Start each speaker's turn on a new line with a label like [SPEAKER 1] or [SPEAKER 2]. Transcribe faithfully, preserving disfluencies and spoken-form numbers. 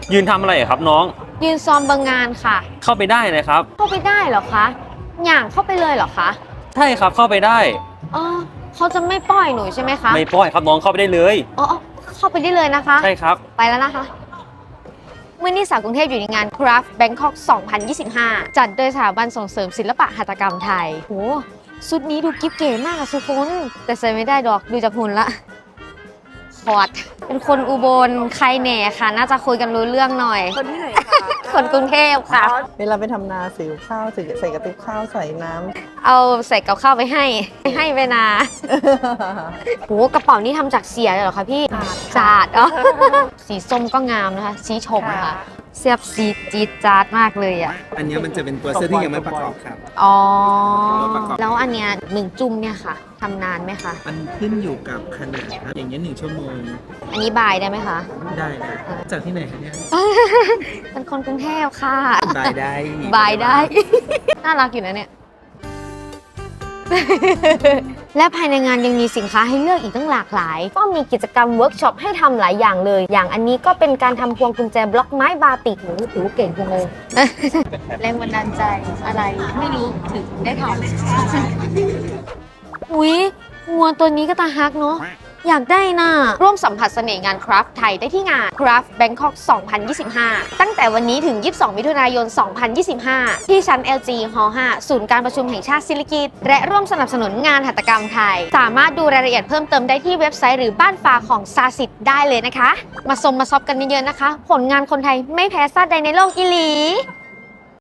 [SPEAKER 1] ยืนทำอะไรครับน้อง
[SPEAKER 2] ยืนซ้อมบางงานค่ะ
[SPEAKER 1] เข้าไปได้นะครับ
[SPEAKER 2] เข้าไปได้เหรอคะอย่างเข้าไปเลยเหรอคะ
[SPEAKER 1] ใช่ครับเข้าไปได้
[SPEAKER 2] อ๋อเขาจะไม่ปล่อยหนูใช่ไหมคะ
[SPEAKER 1] ไม่ป้อยครับน้องเข้าไปได้เลย
[SPEAKER 2] อ๋ออ๋อเข้าไปได้เลยนะคะ
[SPEAKER 1] ใช่ครับ
[SPEAKER 2] ไปแล้วนะคะเมื่อนี้สาวกรุงเทพอยู่ในงาน Craft Bangkok สองพันยี่สิบห้า จัดโดยสถาบันส่งเสริมศิลปะหัตถกรรมไทยโหชุดนี้ดูกิ๊บเก๋มากอะสุคนแต่ใส่ไม่ได้ดอกดูจากหุ่นละคอดเป็นคนอุบลใครแหน่ค่ะ น่าจะคุยกันรู้เรื่องหน่อย
[SPEAKER 3] คนที่ไหนคะ
[SPEAKER 2] คนกรุงเทพค่ะ
[SPEAKER 3] เวลาไปทำนาสิวข้าวใส่ใส่กระติบข้าวใส่น้ำ
[SPEAKER 2] เอาใส่กับข้าวไปให้ให้ไปนาโหกระเป๋านี้ทำจากเสียเลยเหรอคะพี่จาดอ๋อ สีส้มก็งามนะคะสีชมค่ะเสียบสีจีดจาดมากเลยอ่ะ
[SPEAKER 4] อันนี้มันจะเป็นตัวเสื้อที่ยังไม่ประกอบครับ
[SPEAKER 2] อ๋อ
[SPEAKER 4] ตัวประกอบ
[SPEAKER 2] แล้วอันเนี้ยหนึ่งจุ่มเนี่ยค่ะทำนานไหมคะ
[SPEAKER 4] มันขึ้นอยู่กับขนาดครับ อย่างเงี้ยหนึ่งชั่วโมง
[SPEAKER 2] อันนี้บายได้ไหมคะ
[SPEAKER 4] ได้นะจากที่ไหนคะเนี่ย
[SPEAKER 2] เป็นคนกรุงเทพค่ะ
[SPEAKER 4] บายได้
[SPEAKER 2] บายได้ น่ารักอยู่นะเนี่ย และภายในงานยังมีสินค้าให้เลือกอีกตั้งหลากหลาย ก็มีกิจกรรมเวิร์กช็อปให้ทำหลายอย่างเลย อย่างอันนี้ก็เป็นการทำพวงกุญแจบล็อกไม้บาติกหนูถือว่าเก่งจังเลย แรงบันดาลใจอะไรไม่รู้ถึงได้ทำอุ๊ยงัวตัวนี้ก็ตาฮักเนาะอยากได้น่ะร่วมสัมผัสเสน่ห์งานคราฟต์ไทยได้ที่งาน Craft Bangkok สองพันยี่สิบห้า ตั้งแต่วันนี้ถึง ยี่สิบสอง มิถุนายน สองพันยี่สิบห้า ที่ชั้น แอล จี ฮอ ห้า ศูนย์การประชุมแห่งชาติศิริกิติ์และร่วมสนับสนุนงานหัตถกรรมไทย สามารถดูรายละเอียดเพิ่มเติมได้ที่เว็บไซต์หรือบ้านฟ้าของซาสิทได้เลยนะคะ มาชมมาซอฟกันเยอะๆนะคะ ผลงานคนไทยไม่แพ้ชาติใดในโลกอีหลี